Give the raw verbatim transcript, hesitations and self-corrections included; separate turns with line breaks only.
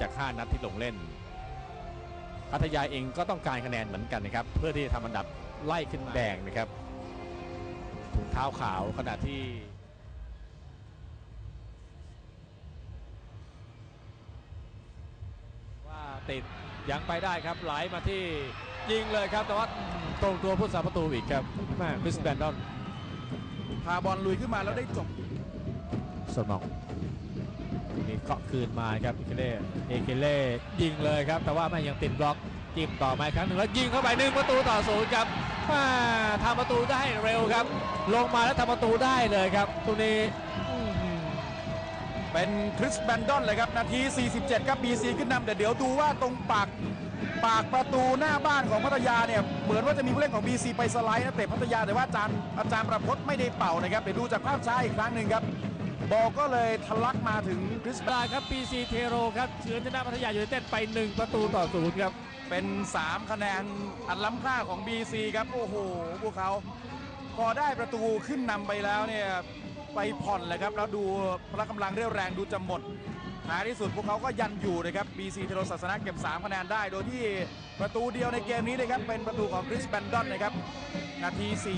จากห้านัดที่ลงเล่นพัทยาเองก็ต้องการคะแนนเหมือนกันนะครับเพื่อที่จะทำอันดับไล่ขึ้นแดงนะครับถุงเท้าขาวขณะที่ว่าติดยังไปได้ครับไหลมาที่ยิงเลยครับแต่ว่าตรงตัวผู้สาประตูอีกครับแม่คริสแบนดอน
พาบอลลุยขึ้นมาแล้วได้จบ
สมองมีเกาะคืนมาครับเอเคเล่เอเคเล่ยิงเลยครับแต่ว่าไม่ยังติดบล็อกจิ้มต่อมาครั้งหนึ่งแล้วยิงเข้าไปหนึ่งประตูต่อศูนย์ครับทำประตูได้เร็วครับลงมาแล้วทำประตูได้เลยครับตรงนี้
เป็นคริสแบนดอนเลยครับนาทีสี่สิบเจ็ดครับ บี ซี ขึ้นนำแต่เดี๋ยวดูว่าตรงปากปากประตูหน้าบ้านของพัทยาเนี่ยเหมือนว่าจะมีผู้เล่นของ บี ซี ไปสไลด์นะเตะพัทยาแต่ว่าอาจารย์อาจารย์ประพจน์ไม่ได้เป่านะครับเดี๋ยวดูจากภาพช้าอีกครั้งหนึ่งครับบอลก็เลยทะลักมาถึงคริส
บาครับ บี ซี เทโรครับเฉือนชนะพัทยายูไนเต็ดไปหนึ่งประตูต่อศูนย์ครับ
เป็นสามคะแนนอันล้ำค่าของ บี ซี ครับโอ้โหพวกเขาพอได้ประตูขึ้นนำไปแล้วเนี่ยไปผ่อนเลยครับแล้วดูพละกำลังเรี่ยวแรงดูจะหมดท้ายที่สุดพวกเขาก็ยันอยู่นะครับ บี ซี เทโรศาสนาเก็บสามคะแนนได้โดยที่ประตูเดียวในเกมนี้นะครับเป็นประตูของคริสแบนดอนนะครับนาที